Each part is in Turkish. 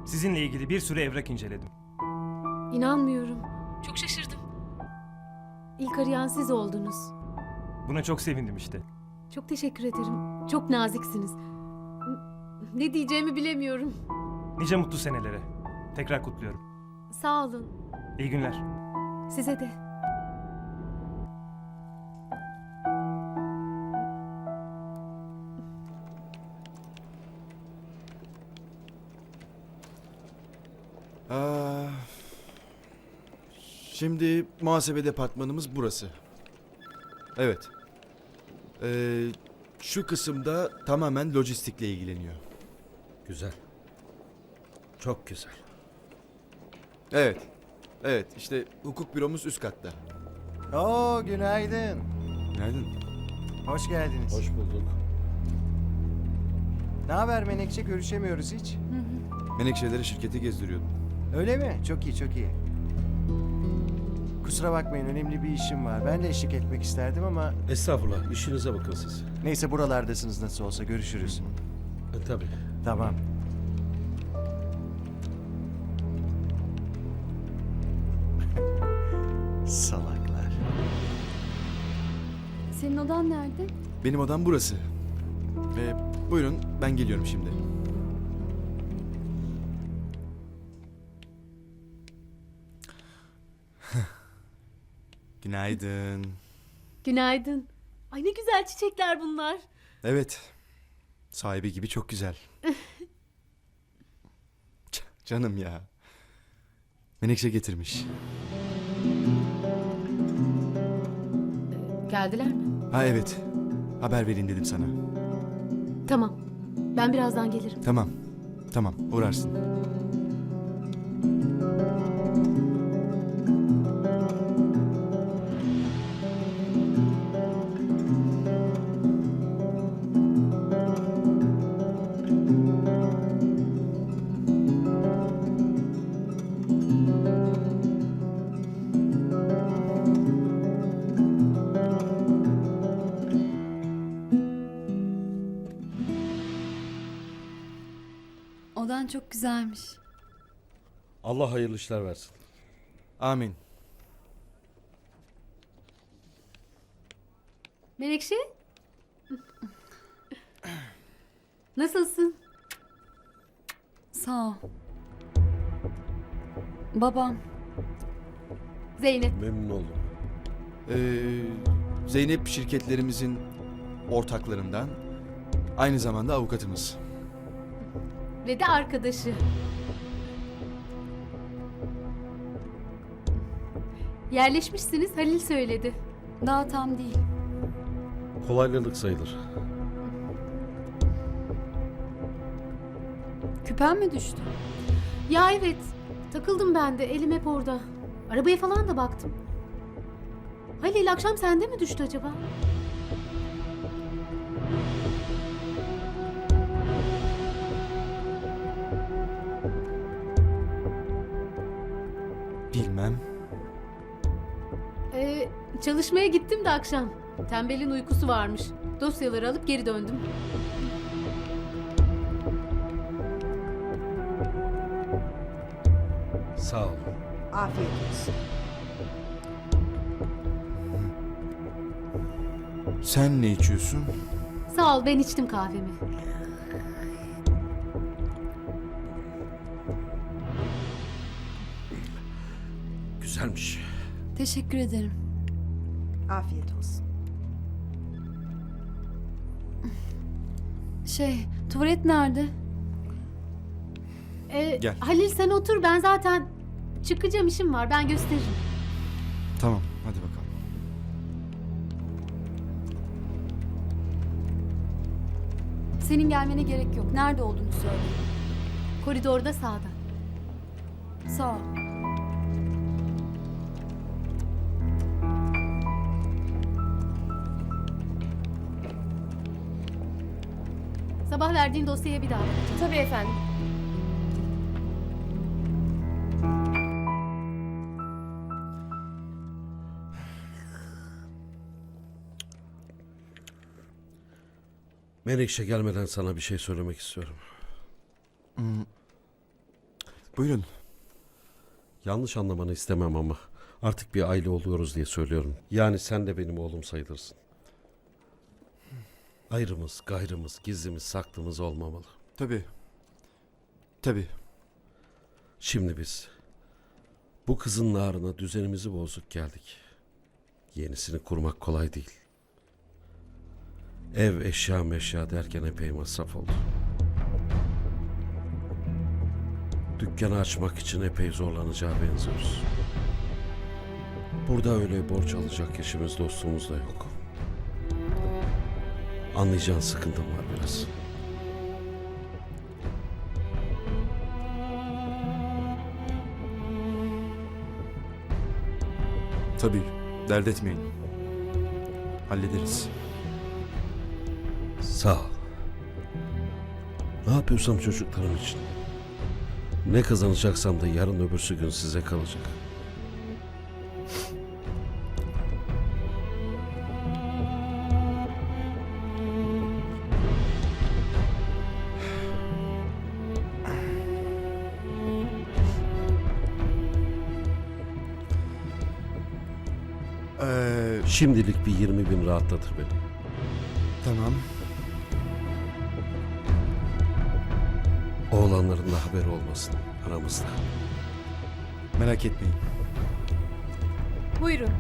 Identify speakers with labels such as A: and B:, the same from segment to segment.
A: Sizinle ilgili bir sürü evrak inceledim.
B: İnanmıyorum. Çok şaşırdım. İlk arayan siz oldunuz.
A: Buna çok sevindim işte.
B: Çok teşekkür ederim. Çok naziksiniz. Ne diyeceğimi bilemiyorum.
A: Nice mutlu senelere. Tekrar kutluyorum.
B: Sağ olun.
A: İyi günler.
B: Size de.
C: Aa, şimdi muhasebe departmanımız burası. Evet. Şu kısımda tamamen lojistikle ilgileniyor.
D: Güzel. Çok güzel.
C: Evet. Evet, işte hukuk büromuz üst katta.
E: Oo, günaydın.
C: Nereden?
E: Hoş geldiniz.
D: Hoş bulduk.
E: Ne haber Menekşe? Görüşemiyoruz hiç.
C: Menekşeleri şirketi gezdiriyordum.
E: Öyle mi? Çok iyi, çok iyi. Kusura bakmayın, önemli bir işim var. Ben de eşlik etmek isterdim ama...
D: Estağfurullah. İşinize bakın siz.
E: Neyse, buralardasınız nasıl olsa. Görüşürüz.
D: Tabii.
E: Tamam. Salaklar.
B: Senin odan nerede?
C: Benim odam burası. Buyurun, ben geliyorum şimdi. Günaydın.
B: Günaydın. Ay ne güzel çiçekler bunlar.
C: Evet. Sahibi gibi çok güzel. Canım ya. Menekşe getirmiş.
B: Geldiler mi?
C: Ha evet. Haber vereyim dedim sana.
B: Tamam. Ben birazdan gelirim.
C: Tamam. Tamam. Uğrarsın.
F: Odan çok güzelmiş.
D: Allah hayırlı işler versin.
C: Amin.
B: Menekşe? Nasılsın?
F: Sağ ol. Babam.
B: Zeynep.
D: Memnun oldum.
C: Zeynep şirketlerimizin ortaklarından. Aynı zamanda avukatımız.
B: Ve de arkadaşı. Yerleşmişsiniz, Halil söyledi.
F: Daha tam değil.
D: Kolaylılık sayılır.
F: Küpen mi düştü?
B: Ya evet, takıldım ben de, elim hep orada. Arabaya falan da baktım. Halil akşam sende mi düştü acaba?
C: Bilmem.
B: Çalışmaya gittim de akşam. Tembelin uykusu varmış. Dosyaları alıp geri döndüm.
D: Sağ ol.
G: Afiyet olsun.
C: Sen ne içiyorsun?
B: Sağ ol, ben içtim kahvemi.
D: Güzelmiş.
F: Teşekkür ederim.
G: Afiyet olsun.
F: Tuvalet nerede?
C: Gel.
B: Halil sen otur, ben zaten çıkacağım, işim var, ben gösteririm.
C: Tamam. Hadi bakalım.
F: Senin gelmene gerek yok. Nerede olduğunu söyle.
B: Koridorda sağda.
F: Sağ ol.
B: Sabah verdiğin dosyaya bir daha bakacağım.
F: Tabii efendim.
D: Menekşe gelmeden sana bir şey söylemek istiyorum.
C: Buyurun.
D: Yanlış anlamanı istemem ama artık bir aile oluyoruz diye söylüyorum. Yani sen de benim oğlum sayılırsın. Ayrımız, gayrımız, gizlimiz, saklımız olmamalı.
C: Tabii. Tabii.
D: Şimdi biz bu kızın narına düzenimizi bozduk geldik. Yenisini kurmak kolay değil. Ev, eşya meşya derken epey masraf oldu. Dükkanı açmak için epey zorlanacağı benziyoruz. Burada öyle borç alacak eşimiz dostumuz da yok. Anlayacağın sıkıntım var biraz.
C: Tabii. Dert etmeyin. Hallederiz.
D: Sağ ol. Ne yapıyorsam çocuklarım için. Ne kazanacaksam da yarın öbürsü gün size kalacak. Şimdilik bir 20 bin rahatlatır beni.
C: Tamam.
D: Oğlanların da haberi olmasın aramızda.
C: Merak etmeyin.
F: Buyurun.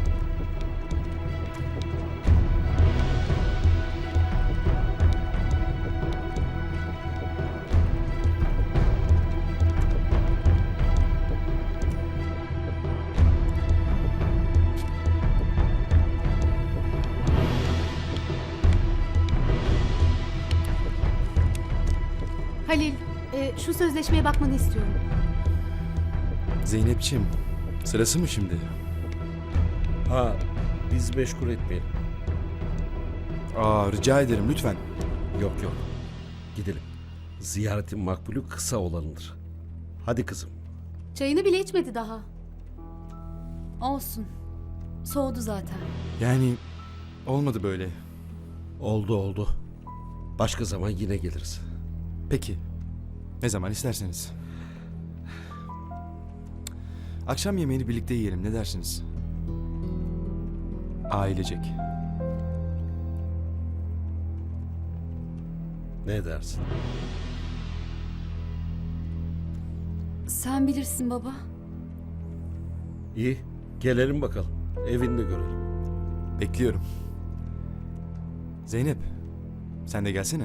B: Halil, şu sözleşmeye bakmanı istiyorum.
C: Zeynep'ciğim, sırası mı şimdi?
D: Ha, biz meşgul etmeyelim.
C: Rica ederim lütfen.
D: Yok yok. Gidelim. Ziyaretin makbulü kısa olanıdır. Hadi kızım.
B: Çayını bile içmedi daha.
F: Olsun. Soğudu zaten.
C: Yani olmadı böyle.
D: Oldu oldu. Başka zaman yine geliriz.
C: Peki. Ne zaman isterseniz. Akşam yemeğini birlikte yiyelim, ne dersiniz? Ailecek.
D: Ne dersin?
F: Sen bilirsin baba.
D: İyi. Gelelim bakalım. Evini de görelim.
C: Bekliyorum. Zeynep, sen de gelsene.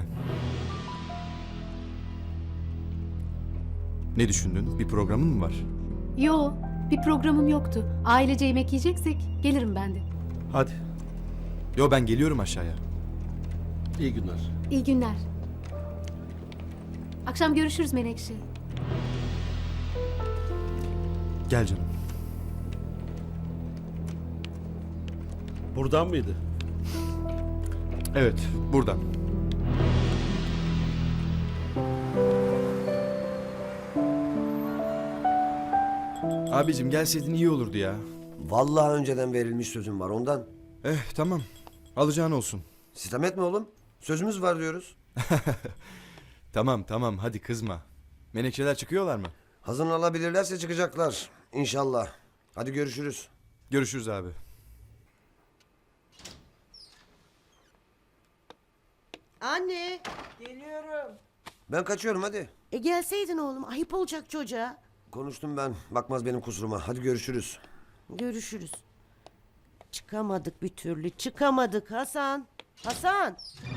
C: Ne düşündün? Bir programın mı var?
B: Yo, bir programım yoktu. Ailece yemek yiyeceksek gelirim ben de.
D: Hadi.
C: Yo, ben geliyorum aşağıya.
D: İyi günler.
B: İyi günler. Akşam görüşürüz Menekşe.
C: Gel canım.
D: Buradan mıydı?
C: Evet, buradan. Abicim gelseydin iyi olurdu ya.
H: Vallahi önceden verilmiş sözüm var ondan.
C: Tamam. Alacağın olsun.
H: Sitem etme oğlum. Sözümüz var diyoruz.
C: Tamam hadi kızma. Menekşeler çıkıyorlar mı?
H: Hazırlanabilirlerse çıkacaklar. İnşallah. Hadi görüşürüz.
C: Görüşürüz abi.
I: Anne. Geliyorum.
H: Ben kaçıyorum hadi.
I: Gelseydin oğlum, ayıp olacak çocuğa.
H: Konuştum ben. Bakmaz benim kusuruma. Hadi görüşürüz.
I: Görüşürüz. Çıkamadık bir türlü, çıkamadık Hasan. Hasan.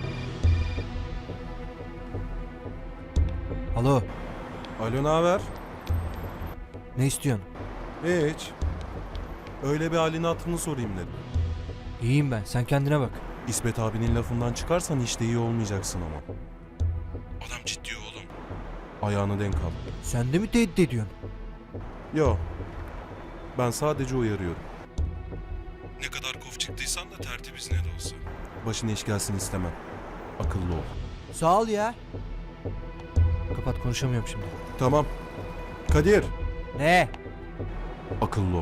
J: Alo.
K: Alo, ne haber?
J: Ne istiyorsun?
K: Hiç. Öyle bir halini hatırını sorayım dedim.
J: İyiyim ben. Sen kendine bak.
K: İsmet abinin lafından çıkarsan işte iyi olmayacaksın ama. Adam ciddi oğlum. Ayağını denk al.
J: Sen de mi tehdit ediyorsun?
K: Yo. Ben sadece uyarıyorum. Ne kadar kof çıktıysan da tertemiz ne de olsa. Başına iş gelsin istemem. Akıllı ol.
J: Sağ ol ya. Kapat, konuşamıyorum şimdi.
K: Tamam. Kadir.
J: Ne?
K: Akıllı ol.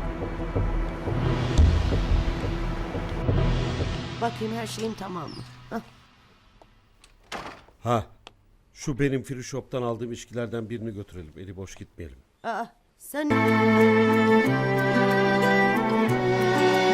I: Bakayım her şeyim tamam mı?
D: Ha, şu benim free shop'tan aldığım içkilerden birini götürelim. Eli boş gitmeyelim.
I: Aa, sen